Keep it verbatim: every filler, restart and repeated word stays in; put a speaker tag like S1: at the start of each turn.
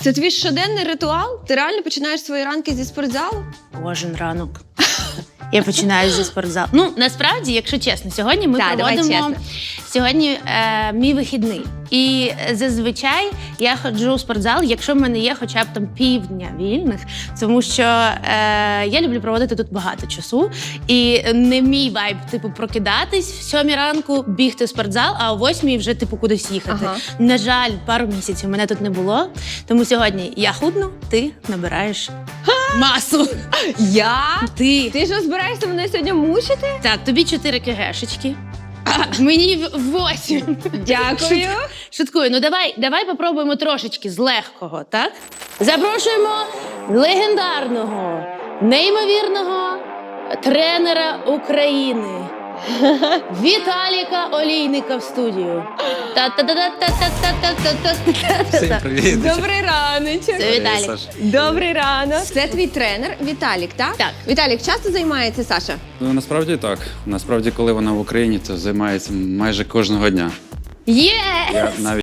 S1: Це твій щоденний ритуал? Ти реально починаєш свої ранки зі спортзалу?
S2: Кожен ранок. Я починаю зі спортзалу. Ну, насправді, якщо чесно, сьогодні ми
S1: Так, давай
S2: проводимо...
S1: чесно.
S2: Сьогодні е, мій вихідний. І зазвичай я ходжу у спортзал, якщо в мене є хоча б там півдня вільних, тому що е, я люблю проводити тут багато часу. І не мій вайб, типу, прокидатись в сьомій ранку, бігти в спортзал, а о восьмій вже, типу, кудись їхати.
S1: Ага.
S2: На жаль, пару місяців мене тут не було, тому сьогодні я худну, ти набираєш масу.
S1: Я?
S2: Ти.
S1: Ти що збираєшся мене сьогодні мучити?
S2: Так, тобі чотири кегешечки. Мені восім.
S1: Дякую.
S2: Шуткую, ну давай, давай попробуємо трошечки з легкого, так? Запрошуємо легендарного, неймовірного тренера України Віталіка Олійника в студію.
S3: Всім
S2: Та-та-та-та-та-та-та-та-та.
S3: привіт.
S1: Добрий раночок.
S2: Це Віталік.
S3: Саш.
S1: Добрий ранок. Це твій тренер Віталік, так?
S2: Так.
S1: Віталік часто займається, Саша?
S3: Ну, насправді так. Насправді, коли вона в Україні, то займається майже кожного дня.
S2: Є!
S3: Я навіть